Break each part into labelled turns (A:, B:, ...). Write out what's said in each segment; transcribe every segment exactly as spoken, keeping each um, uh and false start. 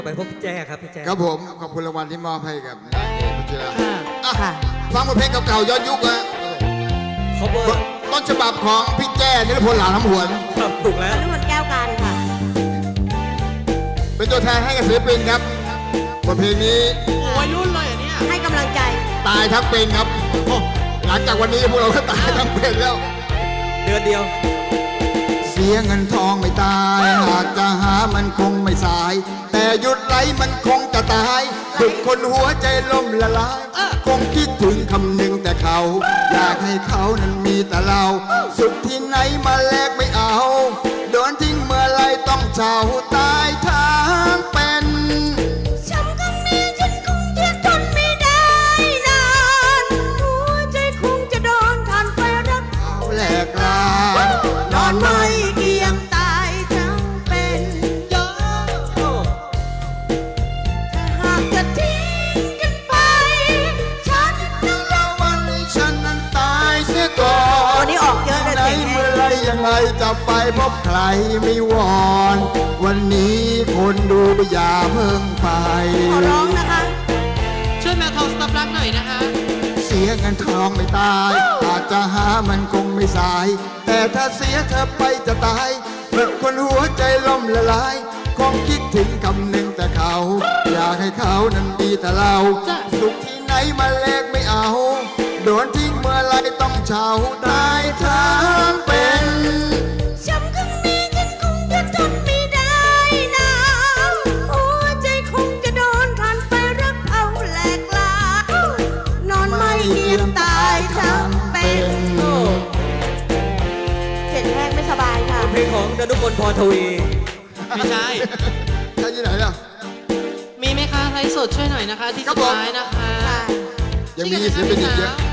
A: ไปพบพี่แจ้ครับพี่แจ้
B: ครับผมขอบคุณรางวัลที่มอบให้กับนางเอกพัชรา
C: ค่ะ
B: ฟังบทเพลงเก่าๆย้อนยุคนะ
A: cover
B: ต้นฉบับของพี่แจ้นิรพลหลานน้ำหวน
A: ครับถูกแล้ว
C: นฤมลแก้วการค่ะ
B: เป็นตัวแทนให้กับศิลปินครับบทเพลงนี้
D: วัยรุ่นเลยอ่ะเนี่ย
C: ให้กำลังใจ
B: ตายทั้งเป็นครับโอ้หลังจากวันนี้พวกเราก็ตายทั้งเป็นแล้ว
A: เดือนเดียว
B: เสียเงินทองไม่ตายหากจะหามันคงไม่สาย แต่หยุดไหลมันคงจะตายดึกคนหัวใจล่มละลายคงคิดถึงคำหนึ่งแต่เขา อยากให้เขานั้นมีแต่เรา สุขที่ไหนมาแลกไม่เอาโดนทิ้งเมื่อไรต้องเช่าตายทางเป็น
C: ช้ำครั้งนี้ฉันคงจะทนไม่ได้นานหัวใจคงจะโดนทานไฟรัก
B: เอาแหลกลานอนไม่
C: เกียงตายทั้งเป็นเยอะถ้าหากจะทิ้งกันไปฉันต้องรอ
B: วันนี้ฉันนั้นตายเสียก่อน
C: วันนี้ออกเยอะเลย
B: ไหน
C: เสียงแห้
B: เมื่อง ไรยังไงจะไปพบใครไม่วอน วันนี้คนดูอย่าเพิ่งไป
C: ขอร้องนะคะ
D: ช่วยแมวทองสต็อปรักหน่อยนะคะ
B: เสียเงินทองไม่ตายอาจจะหามันคงไม่สาย แต่ถ้าเสียเธอไปจะตายเมื่อคนหัวใจล่มละลายคงคิดถึงคำหนึ่งแต่เขา อยากให้เขานั้นดีแต่เรา สุขที่ไหนมาแลกไม่เอา โดนทิ้งเมื่อไรต้องเช่าตายทั้งเป็น
C: ช้ำครั้งนี้ฉันคงจะทนไม่ได้นะหัวใจคงจะโดนทานไฟรักเอาแหลกลานอนไม่เกียงตายทั้งเป็นเสียงแห้งไม่สบายค่ะ
A: เพลงของดนุพลพรทวี
D: ไม่ใช่
B: ใช่ที่ไหนล่ะ
D: มีไหมคะไลฟ์สดช่วยหน่อยนะคะ ที่
B: ครั
D: สุ
B: บ
D: ด
B: ผม
D: ท้ายนะคะ
B: ยังมีศิลปินอีกเยอะ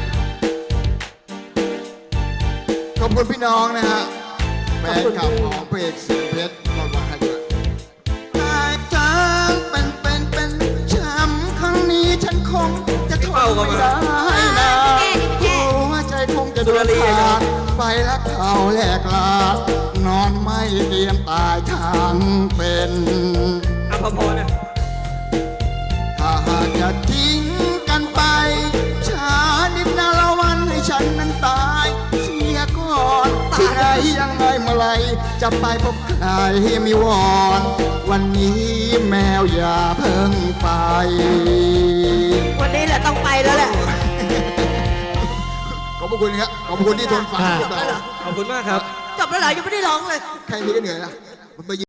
B: ขอบคุณพี่น้องนะฮะแฟนคลับของเพจเสียงเพชรก็มาให้ด้วยตายทั้งเป็นเป็นเป็นช้ำครั้งนี้ฉันคงจะทนไม่ได้นะหัวใจคงจะโดนขาดไปรักเขาแหลกลานอนไม่เตรียมตายทั้งเป็น
A: อภพรนะ
B: ถ้าหากจะทิ้งกันไปช้านิดนาละวันให้ฉันนั้นตายเสียก่อนที่ไหนยังไงเมื่อไรจะไปพบใครมีวอนวันนี้แมวอย่าเพิ่งไป
C: วันนี้แหละต้องไปแล้วแหละ
B: ขอบคุณครับขอบคุณที่ทนฟังพวกเรา
A: ขอบคุณมากครับ
C: จบแล้วเหรอยังไม่ได้ร้องเลย
B: แค่นี้ก็เหนื่อยแล้วมันไป